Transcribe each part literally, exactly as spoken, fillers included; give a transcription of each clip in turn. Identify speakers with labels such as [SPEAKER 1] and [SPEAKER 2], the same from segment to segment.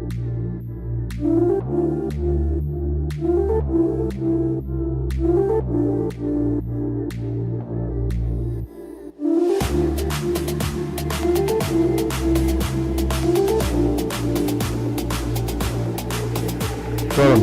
[SPEAKER 1] Що там?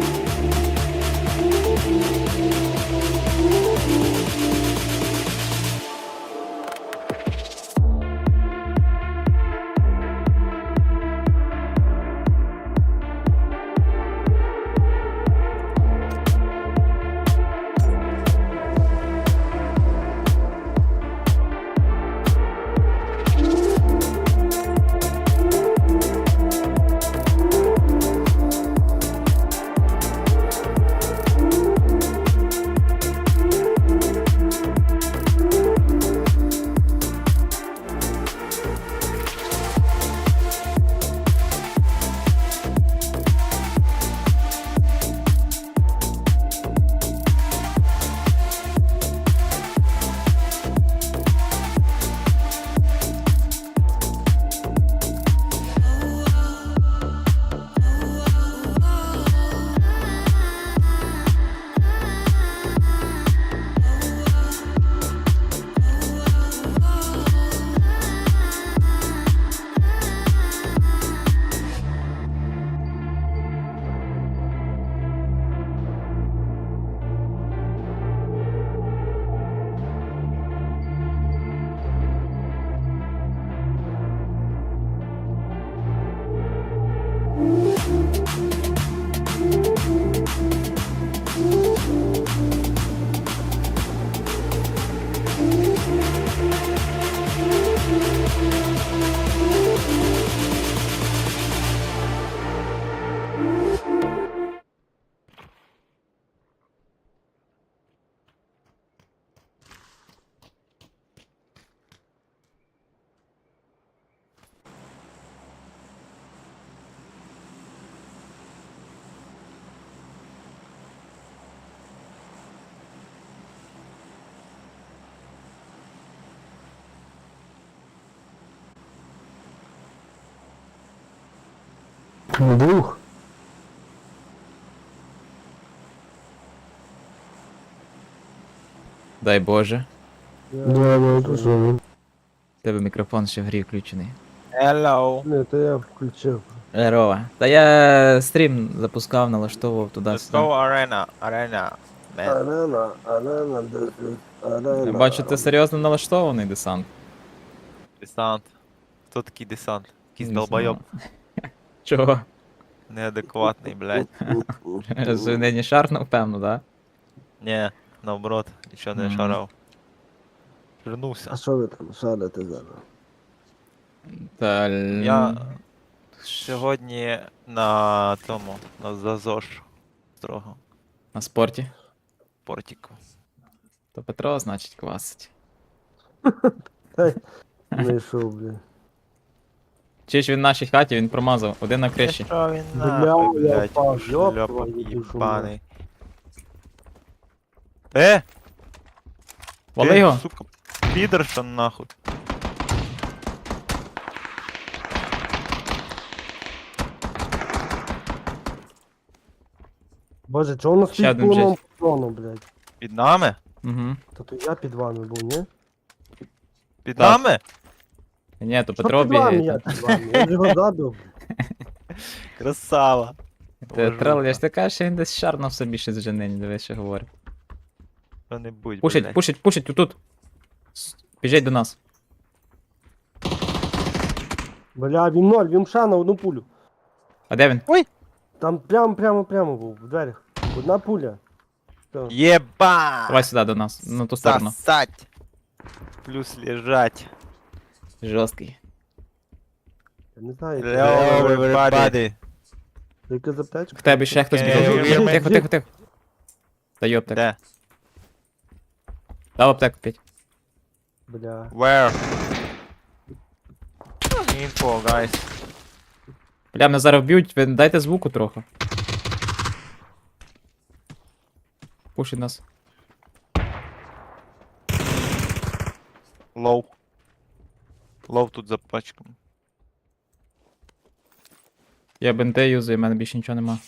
[SPEAKER 1] Двух.
[SPEAKER 2] Дай Боже.
[SPEAKER 1] Да, ну то що, ну.
[SPEAKER 2] У тебе мікрофон ще в грі включений.
[SPEAKER 3] Hello.
[SPEAKER 1] Не, то я включив.
[SPEAKER 2] Здорово. Та я стрім запускав, налаштовував
[SPEAKER 3] Let's
[SPEAKER 2] туди-сюди.
[SPEAKER 3] go arena. Arena. Man.
[SPEAKER 1] Арена, арена, десять, арена.
[SPEAKER 2] Я бачу, ти серйозно налаштований десант.
[SPEAKER 3] Десант. Хто такий десант? Якийсь
[SPEAKER 2] Не
[SPEAKER 3] долбойоб.
[SPEAKER 2] знаю. Чого?
[SPEAKER 3] Неадекватний, блядь.
[SPEAKER 2] Нині шарнув, певно, да?
[SPEAKER 3] Ні, наоборот, нічого не
[SPEAKER 2] Мгм.
[SPEAKER 3] шарав.
[SPEAKER 1] А
[SPEAKER 3] Вернувся.
[SPEAKER 1] що ви там шарите зараз?
[SPEAKER 2] Та...
[SPEAKER 3] Я сьогодні на тому, на ЗАЗОЖ. Строго.
[SPEAKER 2] На спорті.
[SPEAKER 3] Портіку.
[SPEAKER 2] То Петро, значить, квасить.
[SPEAKER 1] Не йшов, блін.
[SPEAKER 2] Чи ж він в нашій хаті, він промазав. Один на криші.
[SPEAKER 3] Що він
[SPEAKER 1] Бля,
[SPEAKER 3] нахуй,
[SPEAKER 1] я
[SPEAKER 3] блядь,
[SPEAKER 1] впав, ёб
[SPEAKER 3] шльопок
[SPEAKER 1] твою душу,
[SPEAKER 3] їбаний. Е!
[SPEAKER 2] Вали
[SPEAKER 3] ти,
[SPEAKER 2] його!
[SPEAKER 3] Сука, підерша нахуй.
[SPEAKER 1] Боже, чого у нас
[SPEAKER 2] Ще
[SPEAKER 1] стоїть
[SPEAKER 2] один
[SPEAKER 1] поломав
[SPEAKER 2] джет.
[SPEAKER 1] патрону, блядь?
[SPEAKER 3] Під нами?
[SPEAKER 2] Угу.
[SPEAKER 1] Та то я під вами був, ні?
[SPEAKER 3] Під
[SPEAKER 2] Так.
[SPEAKER 3] нами?
[SPEAKER 2] Ні, то
[SPEAKER 1] Що
[SPEAKER 2] Петро
[SPEAKER 1] під вами,
[SPEAKER 2] бігає.
[SPEAKER 1] я
[SPEAKER 2] там.
[SPEAKER 1] під вами? Я ж його забив.
[SPEAKER 3] Красава.
[SPEAKER 2] Ти трел, я ж ти кажеш, що він десь шарнув собі щось вже нині, дивись, що говорить.
[SPEAKER 3] Що-небудь,
[SPEAKER 2] Пушить,
[SPEAKER 3] блядь.
[SPEAKER 2] пушить, пушить, тут. Біжить до нас.
[SPEAKER 1] Бля, він ноль, він ша на одну пулю.
[SPEAKER 2] А де він?
[SPEAKER 1] Там прямо, прямо, прямо був, в дверях. Одна пуля. Все.
[SPEAKER 3] Єба!
[SPEAKER 2] Давай сюди до нас, на ту сторону.
[SPEAKER 3] Сосать. Плюс лежать.
[SPEAKER 2] Жорсткий.
[SPEAKER 1] Я не знаю,
[SPEAKER 3] Hello, everybody.
[SPEAKER 1] яка заптечка.
[SPEAKER 2] В тебе ще хтось
[SPEAKER 3] Е,
[SPEAKER 2] біжав.
[SPEAKER 3] е,
[SPEAKER 2] Тихо,
[SPEAKER 3] е,
[SPEAKER 2] тихо, тихо, тихо. Даю аптеку.
[SPEAKER 3] Де?
[SPEAKER 2] Дав аптеку п'ять.
[SPEAKER 1] Бля.
[SPEAKER 3] Where? Info, guys.
[SPEAKER 2] Бля, мене зараз вб'ють, ви дайте звуку трохи. Пушить нас.
[SPEAKER 3] Low. Low тут за пачком.
[SPEAKER 2] Я бенте юзаю, в мене більше нічого нема.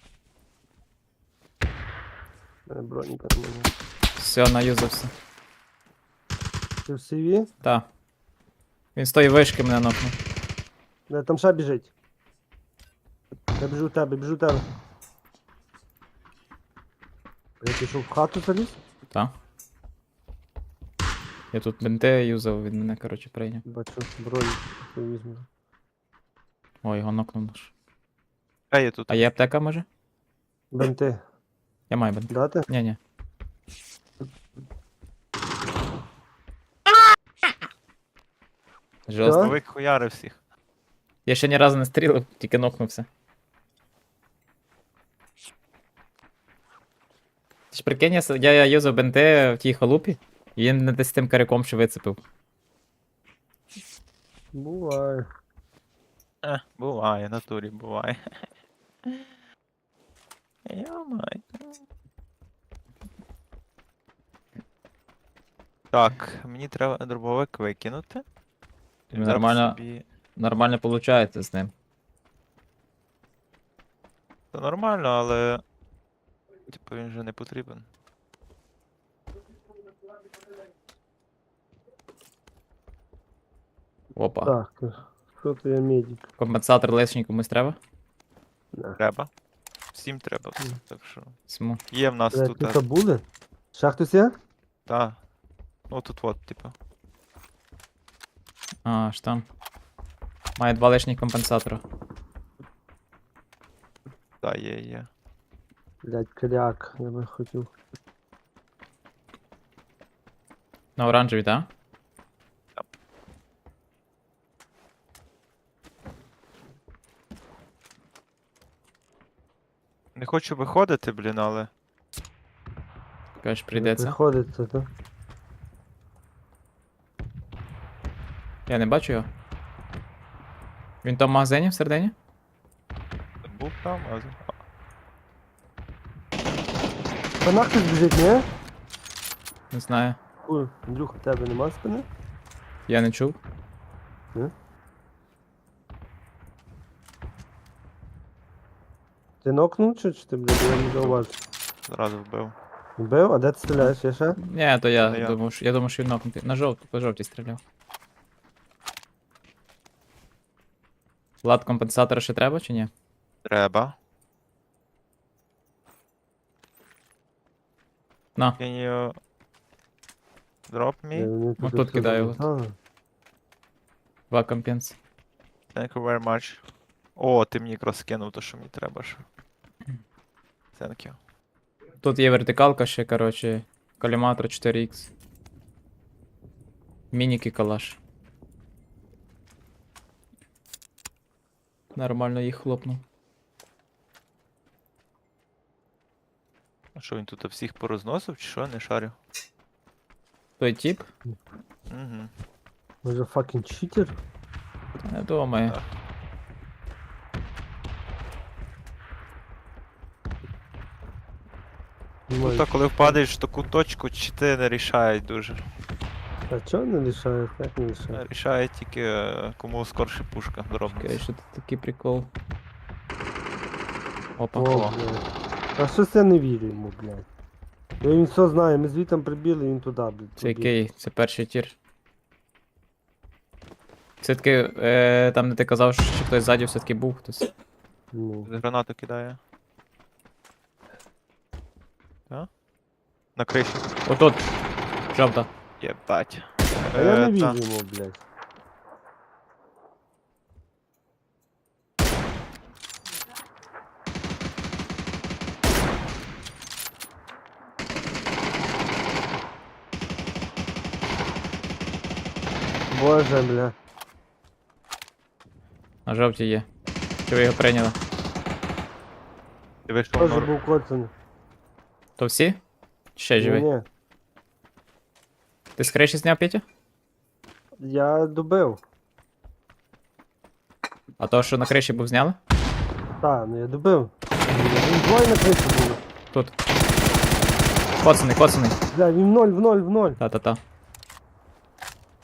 [SPEAKER 1] У мене броніка немає.
[SPEAKER 2] Все, наюзався.
[SPEAKER 1] Ти в сиві?
[SPEAKER 2] Та. Він з тої вишки мене нокнув.
[SPEAKER 1] Не, там ще біжить. Я біжу в тебе, біжу в тебе. Я пішов в хату заліз?
[SPEAKER 2] Та. Я тут бенте юзав, він мене, коротше, прийняв.
[SPEAKER 1] Бачу, броню. Я візьму.
[SPEAKER 2] О, його нокнув наш.
[SPEAKER 3] А є тут.
[SPEAKER 2] А є аптека, може?
[SPEAKER 1] Бенти.
[SPEAKER 2] Я маю бенте.
[SPEAKER 1] Дати?
[SPEAKER 2] Ні-ні. Жорстко.
[SPEAKER 3] Новик хуяри всіх.
[SPEAKER 2] Я ще ні разу не стрілив, тільки нокнувся. Ти ж прикинь, я, с- я, я юзав бенте в тій халупі, і він не десь тим каряком ще вицепив.
[SPEAKER 1] Буває.
[SPEAKER 3] Е, буває, натурі буває. Йомай. Так, мені треба дробовик викинути.
[SPEAKER 2] Ну,
[SPEAKER 3] Взяти
[SPEAKER 2] нормально.
[SPEAKER 3] собі-
[SPEAKER 2] Нормально виходить з ним.
[SPEAKER 3] Це нормально, але. Типу він вже не потрібен.
[SPEAKER 2] Опа.
[SPEAKER 1] Так, що то я медик?
[SPEAKER 2] Компенсатор лишній комусь треба?
[SPEAKER 1] На.
[SPEAKER 3] Треба. Всім треба.
[SPEAKER 1] Мгм.
[SPEAKER 3] Так що.
[SPEAKER 2] Всьому.
[SPEAKER 3] Є в нас
[SPEAKER 1] Блядь,
[SPEAKER 3] тут.
[SPEAKER 1] тут
[SPEAKER 3] а,
[SPEAKER 1] були? Ще хтось є?
[SPEAKER 3] Та. Ну тут от, типу.
[SPEAKER 2] А, аж там. Має два лишніх компенсатора.
[SPEAKER 3] Та, є, є.
[SPEAKER 1] Блядь, кряк, я би хотів.
[SPEAKER 2] На оранжевій, так?
[SPEAKER 3] Не хочу виходити, блін, але.
[SPEAKER 2] Кажеш, прийдеться.
[SPEAKER 1] Приходиться, так?
[SPEAKER 2] Я не бачу його. Він там в магазині всередині?
[SPEAKER 3] Був там, а.
[SPEAKER 1] Та нахуй біжить, ні?
[SPEAKER 2] Не знаю.
[SPEAKER 1] Ой, Андрюха, в тебе нема спини?
[SPEAKER 2] Я не чув.
[SPEAKER 1] Ти нокнув чи, чи ти, блядь, я не зауважив?
[SPEAKER 3] Зразу вбив.
[SPEAKER 1] Вбив? А де ти стріляєш? Я ще?
[SPEAKER 2] Ні, то я
[SPEAKER 3] Та я.
[SPEAKER 2] думав, що я думав, що він нокнутий. На жовту, по жовтій стріляв. Влад, компенсатора ще треба чи ні?
[SPEAKER 3] Треба.
[SPEAKER 2] На.
[SPEAKER 3] Can you drop
[SPEAKER 1] Я
[SPEAKER 3] me?
[SPEAKER 1] вони
[SPEAKER 2] Ну,
[SPEAKER 1] тут
[SPEAKER 2] тут
[SPEAKER 1] все
[SPEAKER 2] кидаю,
[SPEAKER 1] залутали.
[SPEAKER 2] Два компенс.
[SPEAKER 3] Thank you very much. О, ти мені якраз скинув то, що мені треба ще. Thank you.
[SPEAKER 2] Тут є вертикалка ще, коротше. Коліматор чотири ікс. Мініки калаш. Нормально їх хлопнув.
[SPEAKER 3] А що він тут всіх порозносив, чи що? Не шарю.
[SPEAKER 2] Той тип?
[SPEAKER 3] Угу.
[SPEAKER 1] Може факін читер?
[SPEAKER 2] Не думаю.
[SPEAKER 3] Так. Ну так, коли впадаєш в таку точку, чити не рішають дуже.
[SPEAKER 1] А чого не лишають? Як не лишають?
[SPEAKER 3] Рішає тільки е, кому скорше пушка
[SPEAKER 2] Окей,
[SPEAKER 3] дробиться.
[SPEAKER 2] що тут такий прикол. Опа.
[SPEAKER 1] О, блядь. А щось я не вірю йому, блядь. Я він все знає, ми звітом прибіли, він туди, блядь.
[SPEAKER 2] Це
[SPEAKER 1] побіг.
[SPEAKER 2] який? Це перший тір. Все-таки, е, там де ти казав, що хтось ззаді все-таки був хтось.
[SPEAKER 1] Ну.
[SPEAKER 3] Гранату кидає. Так? На криші.
[SPEAKER 2] Отут. Жовта.
[SPEAKER 3] Єбать.
[SPEAKER 1] А я
[SPEAKER 3] Е,
[SPEAKER 1] не
[SPEAKER 3] та.
[SPEAKER 1] вірю йому, блядь. Боже, бля.
[SPEAKER 2] На жовтій є. Чи ви його прийняли?
[SPEAKER 3] Ти вийшов
[SPEAKER 1] Тоже
[SPEAKER 3] нор...
[SPEAKER 1] був коцаний.
[SPEAKER 2] То всі? Чи ще живий?
[SPEAKER 1] Ні,
[SPEAKER 2] Ти з криші зняв Петя?
[SPEAKER 1] я добив.
[SPEAKER 2] А то, що на криші був зняли?
[SPEAKER 1] Так, ну я добив. Він двоє на криші було.
[SPEAKER 2] Тут. Коцаний, коцаний.
[SPEAKER 1] Бля, він в ноль, в ноль, в ноль.
[SPEAKER 2] Та-та-та.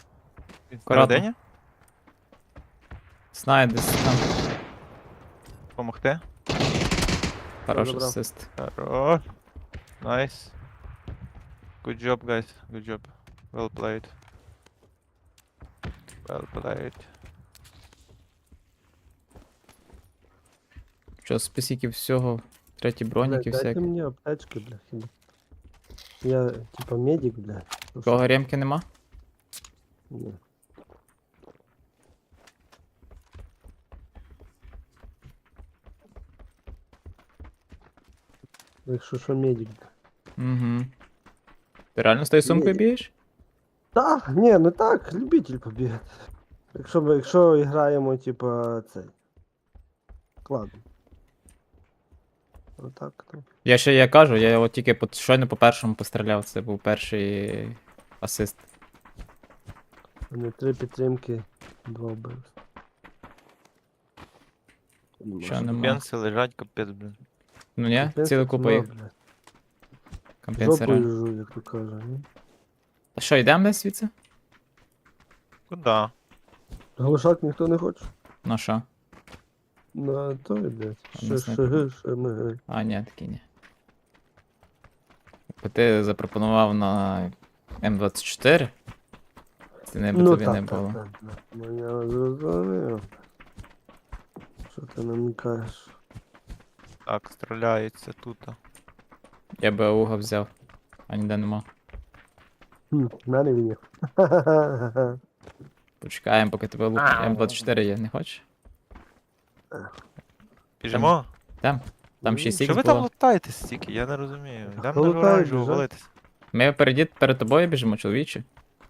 [SPEAKER 3] Він
[SPEAKER 2] Акуратно.
[SPEAKER 3] всередині?
[SPEAKER 2] Знає десь там.
[SPEAKER 3] Помогти?
[SPEAKER 2] Хороший
[SPEAKER 1] забрав.
[SPEAKER 2] асист.
[SPEAKER 3] Хорош. Найс. Good job, guys. Good job. Well played. Well played.
[SPEAKER 2] Що, списіки всього, треті
[SPEAKER 1] Блядь,
[SPEAKER 2] броніки
[SPEAKER 1] дайте
[SPEAKER 2] всякі.
[SPEAKER 1] мені аптечки, бля, хіба. Я, типа, медик, бля. Ну,
[SPEAKER 2] Кого ремки нема?
[SPEAKER 1] ні. Якщо що, медик, бля.
[SPEAKER 2] Угу. Ти реально з тою сумкою
[SPEAKER 1] Ні.
[SPEAKER 2] бієш?
[SPEAKER 1] Так, ні, ну так, любитель побігати. Якщо, ми- якщо граємо, типа, цей. Складно. Отак, то.
[SPEAKER 2] Я ще я кажу, я от тільки по, щойно по першому постріляв, це був перший асист.
[SPEAKER 1] У мене три підтримки, два вбивства.
[SPEAKER 2] Що нема?
[SPEAKER 3] Бенси лежать, капець, блін.
[SPEAKER 2] Ну ні, ціла купа їх. Компенсера.
[SPEAKER 1] Жопою жу, як то каже. ні?
[SPEAKER 2] А що, йдемо десь звідси?
[SPEAKER 3] Куда?
[SPEAKER 1] Глушак ніхто не хоче.
[SPEAKER 2] Ну що?
[SPEAKER 1] На то йде.
[SPEAKER 2] не
[SPEAKER 1] Ще
[SPEAKER 2] знаю.
[SPEAKER 1] шаги, ще ми.
[SPEAKER 2] А, ні, такі ні. Бо ти запропонував на М двадцять чотири? Це не би
[SPEAKER 1] Ну
[SPEAKER 2] тобі не
[SPEAKER 1] так,
[SPEAKER 2] було.
[SPEAKER 1] так, так, так. Ну я зрозумів. Що ти намікаєш?
[SPEAKER 3] Так, стріляється тут.
[SPEAKER 2] Я би ауга взяв, а ніде нема.
[SPEAKER 1] Хм, в мене він є.
[SPEAKER 2] Почекаємо, поки тебе лук. М двадцять чотири є, не хочеш?
[SPEAKER 3] Біжимо?
[SPEAKER 2] Там. Там
[SPEAKER 1] Ну,
[SPEAKER 2] шість
[SPEAKER 3] Що
[SPEAKER 2] ікс
[SPEAKER 3] ви там
[SPEAKER 2] було.
[SPEAKER 3] лутаєте стільки? Я не розумію.
[SPEAKER 1] Та
[SPEAKER 3] Йдемо
[SPEAKER 1] хто
[SPEAKER 3] на
[SPEAKER 1] лутає,
[SPEAKER 3] оранжеву
[SPEAKER 1] біжать?
[SPEAKER 3] валитись.
[SPEAKER 2] Ми перед, перед тобою біжимо, чоловіче.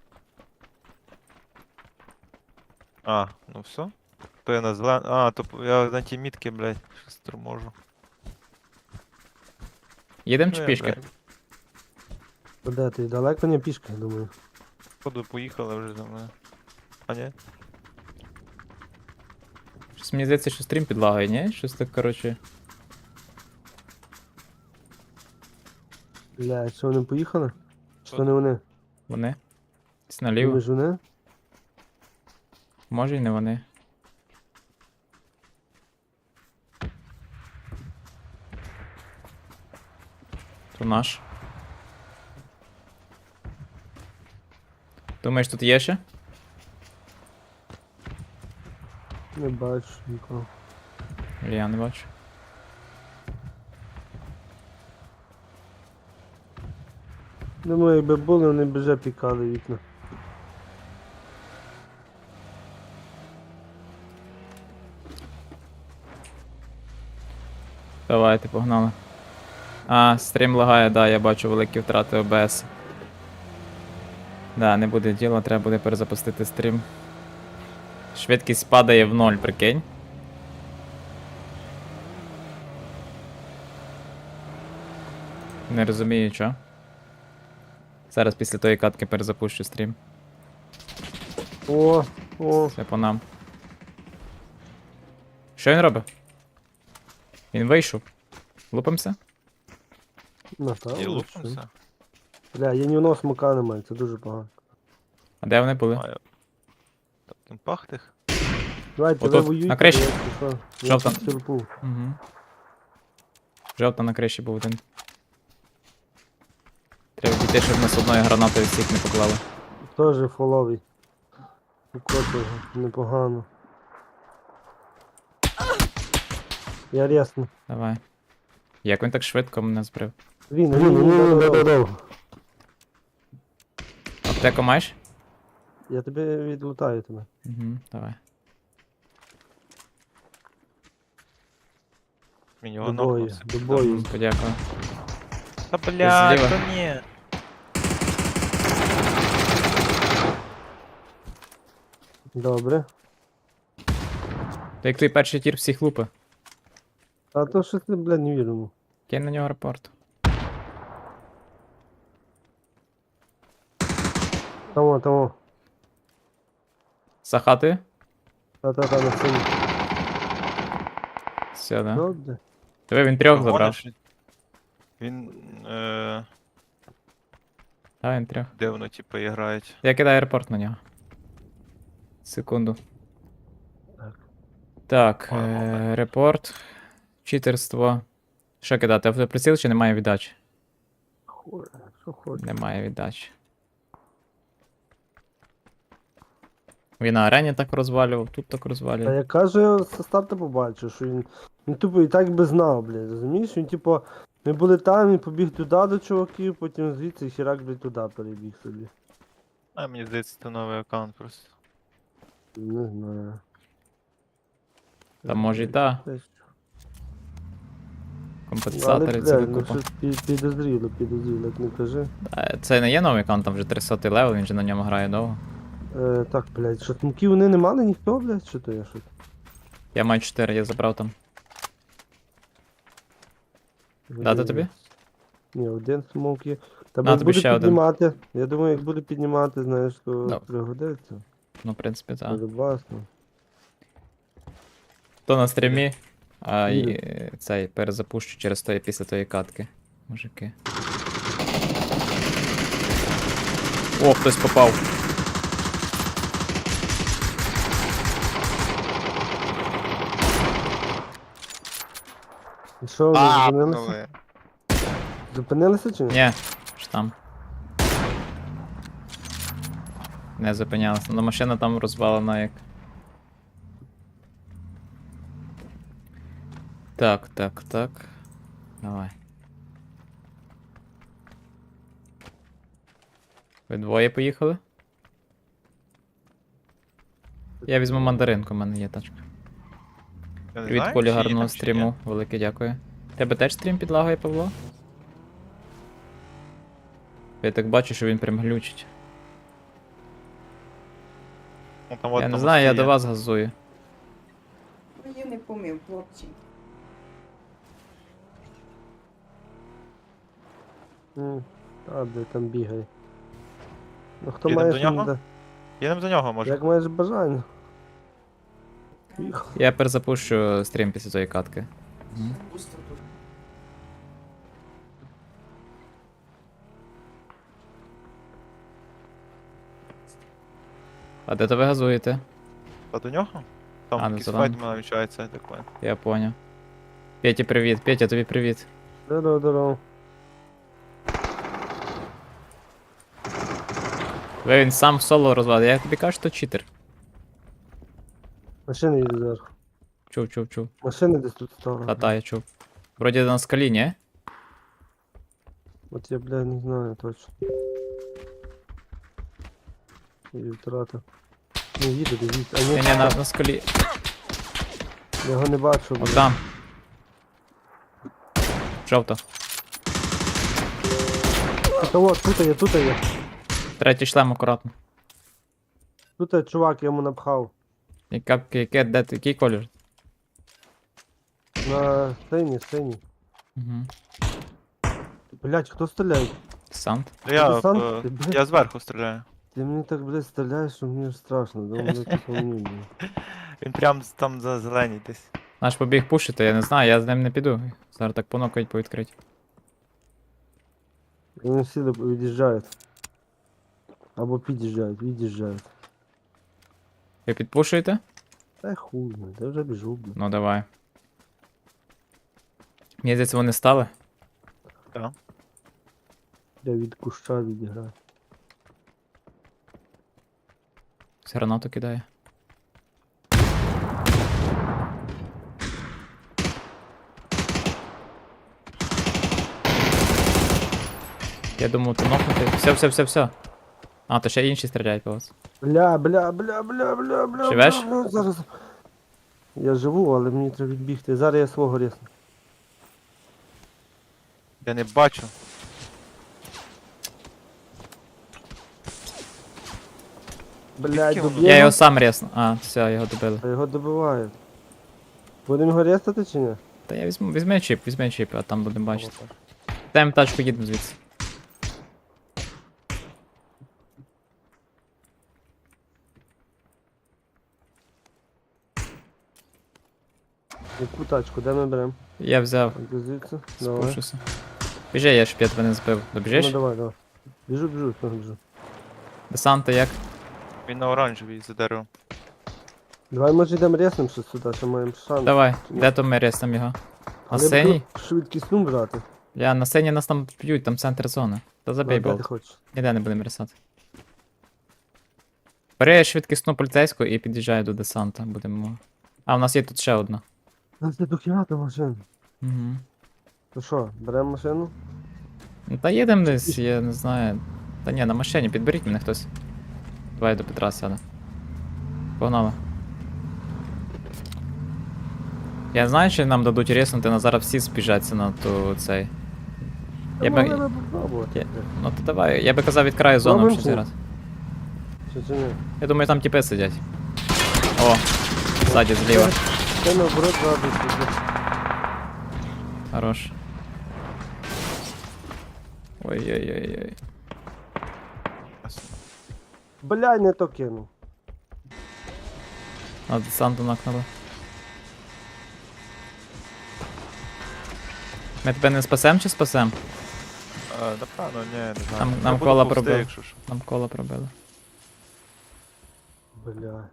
[SPEAKER 3] А, ну все. То я на зелен... А, то п- я на ті мітки, блядь, щось торможу.
[SPEAKER 2] Їдемо
[SPEAKER 3] Ну,
[SPEAKER 2] чи
[SPEAKER 3] я,
[SPEAKER 2] пішки?
[SPEAKER 3] блядь,
[SPEAKER 1] Куди ти? Далеко не пішки, я думаю.
[SPEAKER 3] Походу поїхали вже за мною. А ні?
[SPEAKER 2] Щось мені здається, що стрім підлагає, ні? Щось так, коротше.
[SPEAKER 1] Бля, що вони поїхали?
[SPEAKER 3] Що?
[SPEAKER 1] Що не вони?
[SPEAKER 2] Вони? Десь наліво.
[SPEAKER 1] Думаєш, вони?
[SPEAKER 2] Може і не вони. То наш. Думаєш, тут є ще?
[SPEAKER 1] Не бачу нікого.
[SPEAKER 2] Я не бачу.
[SPEAKER 1] Думаю, якби були, вони б вже пікали вікна.
[SPEAKER 2] Давайте, погнали. А, стрім лагає, да, я бачу великі втрати О Б С. Да, не буде діла, треба буде перезапустити стрім. Швидкість падає в ноль, прикинь. Не розумію, що. Зараз після тої катки перезапущу стрім.
[SPEAKER 1] О, о,
[SPEAKER 2] Все по нам. Що він робить? Він вийшов. Лупимося?
[SPEAKER 1] напевно.
[SPEAKER 3] І
[SPEAKER 1] що.
[SPEAKER 3] лупимося.
[SPEAKER 1] Бля, я ні одного смока немає, це дуже погано.
[SPEAKER 2] А де вони були?
[SPEAKER 3] Маю. Так, там пахтих.
[SPEAKER 1] Давайте,
[SPEAKER 2] Отут,
[SPEAKER 1] ви воюйте.
[SPEAKER 2] на криші.
[SPEAKER 1] я пішов. Я
[SPEAKER 2] Жовта.
[SPEAKER 1] тут сірпу.
[SPEAKER 2] Угу. Жовта на криші був один. Треба дійти, щоб нас одною гранатою всіх не поклали.
[SPEAKER 1] Тоже фоловий. Укотив непогано. Я рясно.
[SPEAKER 2] Давай. Як він так швидко мене збрив?
[SPEAKER 1] Він, він, він, да-да-да.
[SPEAKER 2] Аптеку маєш?
[SPEAKER 1] Я тебе відлутаю тебе.
[SPEAKER 2] Угу, давай.
[SPEAKER 3] Мені
[SPEAKER 1] До
[SPEAKER 3] його
[SPEAKER 1] бою,
[SPEAKER 3] нокнувся.
[SPEAKER 1] до бою.
[SPEAKER 2] Подякую.
[SPEAKER 3] Та блядь,
[SPEAKER 2] Зліва.
[SPEAKER 3] та ні.
[SPEAKER 1] Добре.
[SPEAKER 2] То як той перший тір всіх лупи.
[SPEAKER 1] А то щось ти, блядь, не віримо.
[SPEAKER 2] Кинь на нього рапорт.
[SPEAKER 1] Тому, тому.
[SPEAKER 2] За хатою?
[SPEAKER 1] Та-та-та, на цьому.
[SPEAKER 2] Все, да.
[SPEAKER 1] Добре.
[SPEAKER 2] Тебе він трьох
[SPEAKER 3] Що,
[SPEAKER 2] забрав.
[SPEAKER 3] гониш? Він. Е...
[SPEAKER 2] А, він трьох.
[SPEAKER 3] Де воно, типу, грають?
[SPEAKER 2] Я кидаю репорт на нього. Секунду.
[SPEAKER 1] Так.
[SPEAKER 2] Так,
[SPEAKER 3] Ой,
[SPEAKER 2] е-
[SPEAKER 3] момент.
[SPEAKER 2] репорт. Читерство. Що кидати? Автоприціл чи немає віддачі?
[SPEAKER 1] Хуй, що хочеш.
[SPEAKER 2] Немає віддачі. Він на арені так розвалював, тут так
[SPEAKER 1] Та
[SPEAKER 2] розвалює.
[SPEAKER 1] я кажу, я со старту побачив, що він. Він тупо і так би знав, блядь, розумієш? Він типу, ми були там, він побіг туди до чуваків, потім звідси хірак, блядь, туди перебіг собі.
[SPEAKER 3] А мені здається, це новий аккаунт просто.
[SPEAKER 1] Не знаю.
[SPEAKER 2] Та може й та.
[SPEAKER 1] Десь. Але,
[SPEAKER 2] Компенсатори це
[SPEAKER 1] блядь, ну
[SPEAKER 2] купа.
[SPEAKER 1] щось пі- підозріло, підозріло, як не кажи.
[SPEAKER 2] Е, Це не є новий аккаунт, там вже тридцятий левел, він же на ньому грає довго.
[SPEAKER 1] Е, так, блядь, що смоків вони не мали ніхто, блядь, що то я щось?
[SPEAKER 2] Я маю чотири, я забрав там. Дати тобі?
[SPEAKER 1] Ні, один смок є. Та
[SPEAKER 2] На,
[SPEAKER 1] бо
[SPEAKER 2] тобі
[SPEAKER 1] буде
[SPEAKER 2] ще один.
[SPEAKER 1] піднімати. Я думаю, як буде піднімати, знаєш, то
[SPEAKER 2] Ну.
[SPEAKER 1] пригодиться.
[SPEAKER 2] Ну, в принципі, так.
[SPEAKER 1] Буде класно.
[SPEAKER 2] То на стрімі, а
[SPEAKER 1] Ні.
[SPEAKER 2] і е, цей перезапущу через тої після тої катки. Мужики. О, хтось попав.
[SPEAKER 1] І що, ви
[SPEAKER 3] А,
[SPEAKER 1] зупинилися?
[SPEAKER 3] пнули.
[SPEAKER 1] Зупинилися чи ні?
[SPEAKER 2] Ні, що там. Не зупинялася. Ну машина там розвалена як. Так, так, так. Давай. Ви двоє поїхали? Я візьму мандаринку, в мене є тачка.
[SPEAKER 3] Я не
[SPEAKER 2] Привіт,
[SPEAKER 3] знаю,
[SPEAKER 2] Колі,
[SPEAKER 3] чи є
[SPEAKER 2] гарного
[SPEAKER 3] там, чи ні.
[SPEAKER 2] стріму. Велике дякую. Тебе теж стрім підлагає, Павло? Я так бачу, що він прям глючить.
[SPEAKER 3] Ну, там от
[SPEAKER 2] Я не
[SPEAKER 3] на
[SPEAKER 2] знаю, я
[SPEAKER 3] мості
[SPEAKER 2] до
[SPEAKER 3] є.
[SPEAKER 2] вас газую.
[SPEAKER 4] Ну, я не помив, хлопці.
[SPEAKER 1] М, Та, де там бігає. Ну хто
[SPEAKER 3] Їдемо
[SPEAKER 1] має
[SPEAKER 3] до
[SPEAKER 1] що
[SPEAKER 3] нього?
[SPEAKER 1] не да-
[SPEAKER 3] Їдемо до нього, може.
[SPEAKER 1] Як маєш бажання. Їх.
[SPEAKER 2] Я перезапущу стрім після тої катки. Мгм. А де то ви газуєте?
[SPEAKER 3] Та до нього? Там
[SPEAKER 2] А, ну,
[SPEAKER 3] якийсь
[SPEAKER 2] зелений.
[SPEAKER 3] файт намічається, я так понял.
[SPEAKER 2] Я поняв. Петя, привіт. Петя, тобі привіт.
[SPEAKER 1] Здорово, здорово.
[SPEAKER 2] Ви він сам в соло розвалив. Я тобі кажу, що читер.
[SPEAKER 1] Машини їде зверху.
[SPEAKER 2] Чув, чув, чув.
[SPEAKER 1] Машини десь тут стало.
[SPEAKER 2] Та-та, я чув. Вроді на скалі, ні?
[SPEAKER 1] От я, блядь, не знаю точно. І втрата. Не їде, дивіться. А
[SPEAKER 2] Ні,
[SPEAKER 1] ні,
[SPEAKER 2] ні, на, на скалі.
[SPEAKER 1] я його не бачу,
[SPEAKER 2] От
[SPEAKER 1] блядь.
[SPEAKER 2] там. Жовто.
[SPEAKER 1] Та от, тут є, тут є.
[SPEAKER 2] Третій шлем акуратно.
[SPEAKER 1] Тут є чувак, я йому напхав.
[SPEAKER 2] Яка, яке, де, ти- який колір?
[SPEAKER 1] На синій, синій.
[SPEAKER 2] Угу.
[SPEAKER 1] Блядь, хто стріляє?
[SPEAKER 2] Десант.
[SPEAKER 3] Я,
[SPEAKER 1] Ти сам?
[SPEAKER 3] е,
[SPEAKER 1] Ти, блядь?
[SPEAKER 3] я зверху стріляю.
[SPEAKER 1] Ти мені так, блядь, стріляєш, що мені ж страшно. Думаю, блядь, по мені, блядь.
[SPEAKER 3] Він прям з- там за зеленій десь.
[SPEAKER 2] Наш побіг пушити, я не знаю, я з ним не піду. Зараз так понокають по відкриті.
[SPEAKER 1] Вони всі доп- від'їжджають. Або під'їжджають, від'їжджають.
[SPEAKER 2] Ви підпушуєте?
[SPEAKER 1] Та хуй, блядь, я вже біжу, блядь.
[SPEAKER 2] Ну давай. Мені здається, вони стали.
[SPEAKER 1] Я від куща відіграю.
[SPEAKER 2] Все гранату кидає. Я думав, ти нокнути. Все, все, все, все. А, то ще інші стріляють по вас.
[SPEAKER 1] Бля, бля, бля, бля, бля, бля.
[SPEAKER 2] Живеш?
[SPEAKER 1] бля, бля, Зараз. Я живу, але мені треба відбігти. Зараз я свого рісну.
[SPEAKER 3] Я не бачу.
[SPEAKER 1] Блядь,
[SPEAKER 3] Скільки воно?
[SPEAKER 1] доб'ємо.
[SPEAKER 2] Я його сам ресну. А, все, його добили.
[SPEAKER 1] А його добивають. Будемо його рестати чи ні?
[SPEAKER 2] Та я візьму, візьми чіп, візьми чіп, а там будемо бачити. Даємо тачку, їдемо звідси.
[SPEAKER 1] Яку тачку, де ми беремо?
[SPEAKER 2] Я взяв,
[SPEAKER 1] Де звідси? Давай.
[SPEAKER 2] спушуся. Біжи, я ж п'ять не збив. Добіжиш?
[SPEAKER 1] Ну давай, давай. Біжу, біжу, все, біжу.
[SPEAKER 2] Десанта як?
[SPEAKER 3] Він на оранжевій за деревом.
[SPEAKER 1] Давай може йдемо ресним щось сюди, що маємо шанс.
[SPEAKER 2] Давай,
[SPEAKER 1] Ні.
[SPEAKER 2] де то ми реснем його?
[SPEAKER 1] Але
[SPEAKER 2] синій?
[SPEAKER 1] буду швидкісну брати.
[SPEAKER 2] Я на сцені нас там б'ють, там центр зони. Та забей
[SPEAKER 1] Ну, де ти
[SPEAKER 2] болт.
[SPEAKER 1] хочеш.
[SPEAKER 2] Ніде не будемо рисати. Бери швидкісну поліцейську і під'їжджай до десанта. Будемо. А, у нас є тут ще одна.
[SPEAKER 1] Ну це до кімнати машин.
[SPEAKER 2] Угу.
[SPEAKER 1] То що, беремо машину?
[SPEAKER 2] Ну, та їдемо десь, я не знаю. Та ні, на машині, підберіть мене хтось. Давай я до Петра сяду. Погнали. Я знаю, що нам дадуть ріснути, але зараз всі спіжаться на ту цей. Я
[SPEAKER 1] Та
[SPEAKER 2] би-
[SPEAKER 1] могли би попробувати.
[SPEAKER 2] Я- Ну то давай, я би казав від краю зону
[SPEAKER 1] Пробуємо
[SPEAKER 2] ще
[SPEAKER 1] чи ні?
[SPEAKER 2] зараз.
[SPEAKER 1] Чи чи ні?
[SPEAKER 2] Я думаю, там тіпи сидять. О, ззаді зліва.
[SPEAKER 1] Це наоборот ззаду сидить.
[SPEAKER 2] Хорош. Ой-ой-ой-ой.
[SPEAKER 1] Блядь, не то кинув.
[SPEAKER 2] А десанту накнули. Ми тебе не спасем чи спасем?
[SPEAKER 3] Е, Напевно, ні, не знаю.
[SPEAKER 2] Нам-
[SPEAKER 3] Я
[SPEAKER 2] нам
[SPEAKER 3] буду
[SPEAKER 2] кола
[SPEAKER 3] повсти,
[SPEAKER 2] пробив.
[SPEAKER 3] якщо що.
[SPEAKER 2] Нам коло пробили.
[SPEAKER 1] Бля.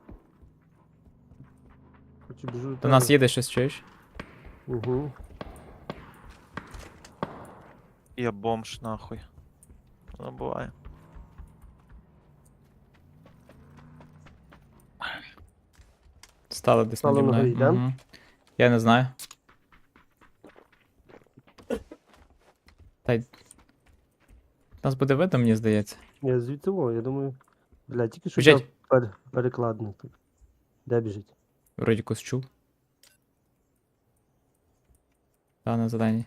[SPEAKER 1] Хочу біжу.
[SPEAKER 2] До нас їде щось, чуєш?
[SPEAKER 1] Угу.
[SPEAKER 3] Я бомж, нахуй. Воно буває.
[SPEAKER 2] Стали десь
[SPEAKER 1] Стали
[SPEAKER 2] наді
[SPEAKER 1] на
[SPEAKER 2] мною.
[SPEAKER 1] горі, да?
[SPEAKER 2] Мгм. Я не знаю. Та й... Нас буде видно, мені здається.
[SPEAKER 1] Я звідти во, я думаю. Бля, тільки що
[SPEAKER 2] Біжить.
[SPEAKER 1] я пер... перекладний тут. Де біжить?
[SPEAKER 2] Вроді когось чув. Та на заданні.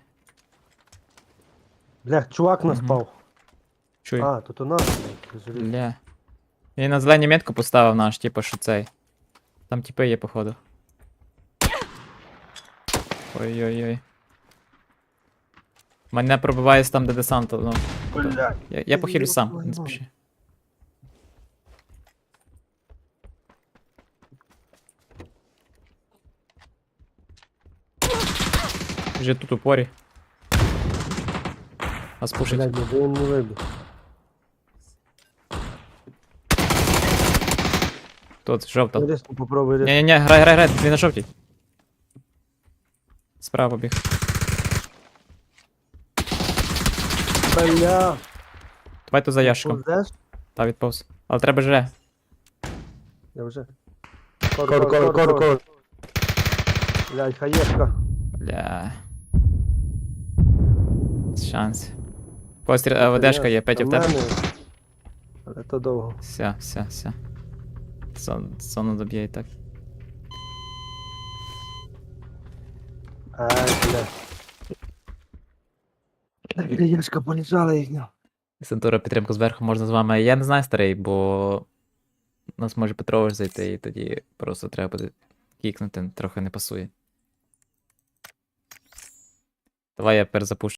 [SPEAKER 1] Бля, чувак нас
[SPEAKER 2] Мгм.
[SPEAKER 1] спав.
[SPEAKER 2] Чуй.
[SPEAKER 1] А, тут у нас. блядь, жалій.
[SPEAKER 2] Бля. Він на зеленій метку поставив наш, типу, що цей. Там типи є, походу. Ой-ой-ой. Мене пробиває там, де десант. Ну,
[SPEAKER 1] Бля.
[SPEAKER 2] я, я похилю сам, не
[SPEAKER 1] Ой-ой-ой.
[SPEAKER 2] спіши. Вже тут упорі. Нас пушить.
[SPEAKER 1] Блядь, ну він не вибіг.
[SPEAKER 2] Тут, жовта.
[SPEAKER 1] Різко попробуй різко.
[SPEAKER 2] Ні-ні-ні, грай, грай, грай, він на жовтій. Справа побіг.
[SPEAKER 1] Бля.
[SPEAKER 2] Давай тут за ящиком.
[SPEAKER 1] Повзеш?
[SPEAKER 2] Та відповз. Але треба жре.
[SPEAKER 1] Я вже. Кор, кор, кор, кор, кор. Блядь, хаєшка.
[SPEAKER 2] Бля. Шанс. Постріл, а, ведешка є, Петя в тебе.
[SPEAKER 1] мене. Але то довго.
[SPEAKER 2] Все, все, все. Сон, сону доб'є і так.
[SPEAKER 1] Ай, бля. Так, хаєшка полежала їхня.
[SPEAKER 2] Сентура підтримку зверху можна з вами. Я не знаю, старий, бо у нас може Петрович зайти, і тоді просто треба буде кікнути, трохи не пасує. Давай я перезапущу.